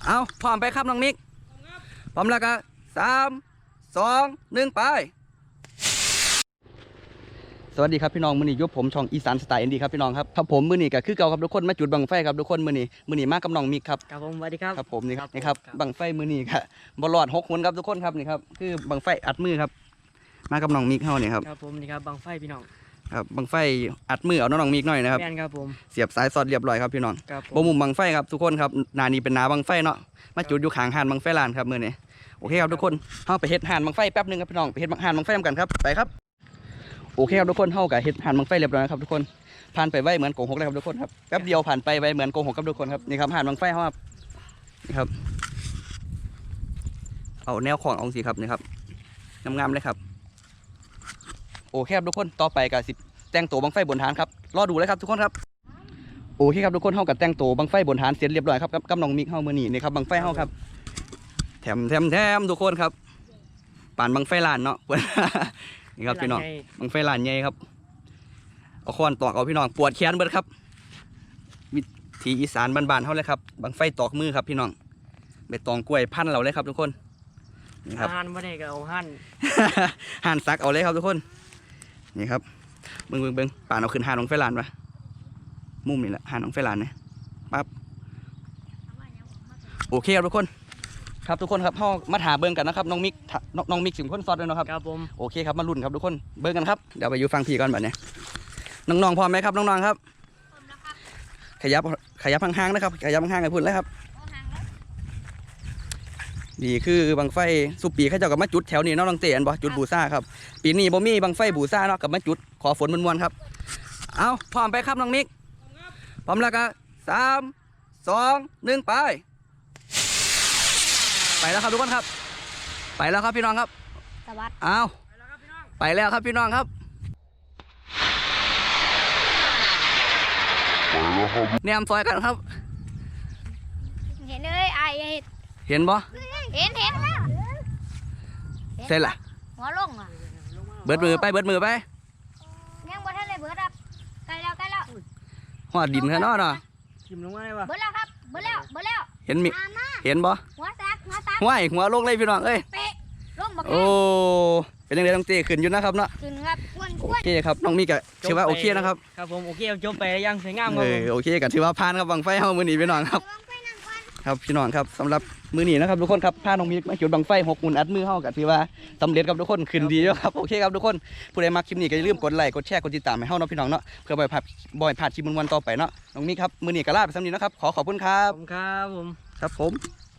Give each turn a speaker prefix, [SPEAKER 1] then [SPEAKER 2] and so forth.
[SPEAKER 1] เอาพร้อมไปครับน้องมิกพร้อมแล้วก็3 2 1ไปสวัสดีครับพี่น้องมื้อนี้ยกผมช่องอีสานสไตล์อินดี้ครับพี่น้องครับผมมื้อนี้ก็คือเก่าครับทุกคนมาจุดบังไฟครับทุกคนมื้อนี้มากับน้องมิกครับ
[SPEAKER 2] ครับผมสวัสดีครับ
[SPEAKER 1] ครับผมนี่ครับบังไฟมื้อนี้ครับบอลลอด6 คนครับทุกคนครับนี่ครับคือบังไฟอัดมือครับมากับน้องมิกเฮานี่ครับ
[SPEAKER 2] ครับผมนี่ครับบังไฟพี่น้อง
[SPEAKER 1] ครับบังไฟอัดมือเอาน้องมิกหน่อยนะครับ
[SPEAKER 2] แม่นครับผม
[SPEAKER 1] เสียบสายสอดเรียบร้อยครับพี่น้องบ่มุมบังไฟครับทุกคนครับหน้านี้เป็นหน้าบังไฟเนาะมาจุดอยู่ข้างหาดบังไฟลานครับมื้อนี้โอเคครับทุกคนเฮาไปเฮ็ดหาดบังไฟแป๊บนึงครับพี่น้องไปเฮ็ดหาดบังไฟกันครับไปครับโอเคครับทุกคนเฮากับเฮ็ดหาดบังไฟเรียบร้อยครับทุกคนผ่านไปไวเหมือนโกหกเลยครับทุกคนครับแป๊บเดียวผ่านไปไวเหมือนโกหกครับทุกคนครับนี่ครับหาดบังไฟเฮาครับนี่ครับเอาแนวของเอาสิครับนี่ครับงามๆเลยครับโอเคครับทุกคนต่อไปก็สิแต่งตัวบังไฟบนฐานครับรอดูเลยครับทุกคนครับโอเคครับทุกคนเฮากับแต่งตัวบังไฟบนฐานเสร็จเรียบร้อยครับกับน้องมิกเฮามื้อนี้นี่ครับบังไฟเฮาครับแถมทุกคนครับป่านบังไฟลานเนาะ นี่ครับพี่น้องบังไฟลานใหญ่ครับเอาค้อนตอกเอาพี่น้องปวดแขนเบิดครับวิถีอีสานบ้านๆเฮาเลยครับบังไฟตอกมือครับพี่น้องใบตองกล้วยพันเราเลยครับทุกคนนี่ครับ
[SPEAKER 2] หั่นบ่ได้ก็เอาหั่น
[SPEAKER 1] หั่นซักเอาเลยครับทุกคนนี่ครับเบิ่งป่านเอาขึ้นหาน้องไฟลานปะมุมนี่แหละหาน้องไฟลานเนี่ยปั๊บโอเคครับทุกคนครับทุกคนครับพ่อมาถาเบิ่งกันนะครับน้องมิกสิมคนซอดเลยนะครับ
[SPEAKER 2] ครับผม
[SPEAKER 1] โอเคครับมาลุ้นครับทุกคนเบิ่งกันครับเดี๋ยวไปอยู่ฟังพี่ก่อนแบบนี้น้องๆพร้อมไหมครับน้องๆครับขยับห่างๆนะครับขยับห่างๆให้พุ่นเลยครับนี่คือบังไฟสุปีเขาเจ้ากับมาจุดแถวนี้น้องเต๋นบ่จุดบูซ่าครับปีนี้บ่มีบังไฟบูซ่าเนาะกับมาจุดขอฝนมวนๆครับเอาพร้อมไปครับน้องมิกพร้อมแล้วก็3 2 1ไปแล้วครับทุกคนครับไปแล้วครับพี่น้องครับ
[SPEAKER 3] สวัสดี
[SPEAKER 1] เอาไปแล้วครับพี่น้องครับแนมซอยกันครับ
[SPEAKER 3] เห็นเลยไอ
[SPEAKER 1] เห็นบ่
[SPEAKER 3] เห็น
[SPEAKER 1] เสร็จละ
[SPEAKER 3] หัวลงอ่ะ
[SPEAKER 1] เบิดมือไป
[SPEAKER 3] ยังบ่ทันเลยเบิดครับใกล้แล้ว
[SPEAKER 1] หัวดินแค่นอเนาะ
[SPEAKER 2] ชิมลงมาได้ปะ
[SPEAKER 3] เบิดแล้วครับเบิดแล้ว
[SPEAKER 1] เห็นบ่
[SPEAKER 3] หัวซัก
[SPEAKER 1] หัวลงเลยพี่น้องเอ้ย
[SPEAKER 3] เป๊ะลงบัก
[SPEAKER 1] โอ้เป็นยังไงต้องเตะขึ้นอยู่นะครับเนาะ
[SPEAKER 3] ขึ้นครับ
[SPEAKER 1] โอเคครับน้องมีกะถือว่าโอเคนะครับ
[SPEAKER 2] ครับผมโอเคจบไปยังสวยงามครับ
[SPEAKER 1] โอเคกะถือว่าผ่านครับบังไฟเฮามื้อนี้พี่น้องครับครับพี่น้องครับสำหรับมื้อนี้นะครับทุกคนครับพาน้องมีมาจุดบังไฟ6 หุ่นอัดมือเฮากะถือว่าสำเร็จครับทุกคนขึ้นดีแล้วครับโอเคครับทุกคนผู้ใดมักคลิปนี้ก็อย่าลืมกดไลค์กดแชร์กดติดตามให้เฮาเนาะพี่น้องเนาะเพื่อบ่อยพลาดคลิปมันๆต่อไปเนาะน้องมีครับมื้อนี้ก็ลาไปสำนี้นะครับขอบคุณครับ
[SPEAKER 2] ครับผม
[SPEAKER 1] ครับผม